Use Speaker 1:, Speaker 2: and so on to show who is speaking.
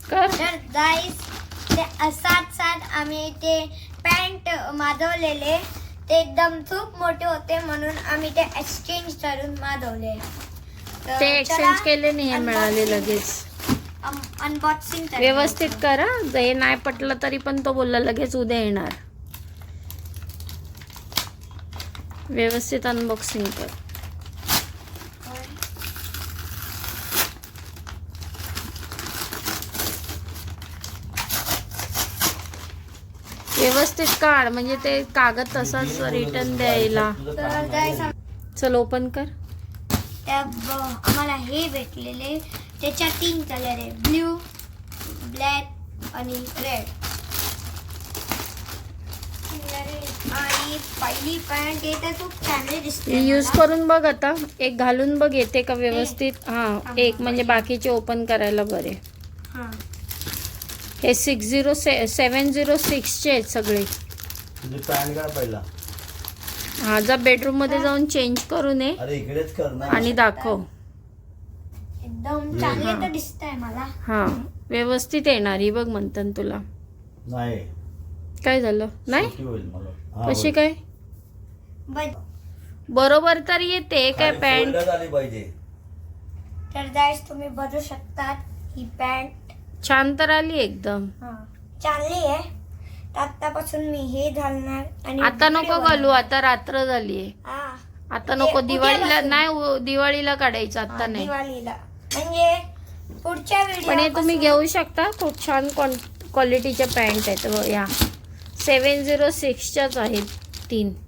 Speaker 1: कर.
Speaker 2: तर गाईस ते साथ आम्ही ते पॅन्ट मागवलेले ते एकदम खूप मोठे होते म्हणून आम्ही ते एक्सचेंज करून मागवले.
Speaker 1: ते एक्सचेंज केले नाही, हे मिळाले लगेच.
Speaker 2: अनबॉक्सिंग
Speaker 1: व्यवस्थित करा. हे नाही पटलं तरी पण तो बोलला लगेच उद्या येणार. व्यवस्थित अनबॉक्सिंग कर. व्यवस्थित काढ म्हणजे ते कागद तसाच रिटर्न द्यायला. चल ओपन कर.
Speaker 2: आम्हाला हे भेटलेले त्याच्या 3 कलर आहे, ब्ल्यू, ब्लॅक आणि रेड. आणि पहिली पॅन्ट येते खूप चांगली दिसते.
Speaker 1: यूज करून बघ आता. एक घालून बघ येते का व्यवस्थित. हा एक म्हणजे बाकीचे ओपन करायला बरे.
Speaker 2: हा
Speaker 1: हे 706 चे आहेत सगळे.
Speaker 3: पॅन्ट का पहिला.
Speaker 1: हा जा बेडरूम मध्ये जाऊन चेंज करून ये.
Speaker 3: अरे इकडेच कर ना.
Speaker 1: आणि दाखव.
Speaker 2: एकदम चांगले तर दिसतंय मला.
Speaker 1: हा व्यवस्थित येणारी बघ म्हणतात तुला.
Speaker 3: नाही
Speaker 1: काय झालं नाही
Speaker 3: होईल मला.
Speaker 1: कशी काय बरोबर तर येते काय पॅन्ट.
Speaker 3: झाली पाहिजे.
Speaker 2: तर गाईस तुम्ही बघू शकतात ही पॅन्ट
Speaker 1: छान तर आली एकदम.
Speaker 2: चांगली आहे. तर आतापासून मी हे घालणार. आणि
Speaker 1: आता नको घालू, आता रात्र झालीये.
Speaker 2: हा
Speaker 1: आता नको.
Speaker 2: उद्या
Speaker 1: दिवाळीला
Speaker 2: बसून.
Speaker 1: नाही, दिवाळीला काढायचं आता नाही.
Speaker 2: दिवाळीला म्हणजे पुढच्या
Speaker 1: पण हे तुम्ही
Speaker 2: व्हिडिओ
Speaker 1: घेऊ शकता. खूप छान क्वालिटीच्या पॅन्ट आहेत. या 706 च्याच आहेत 3.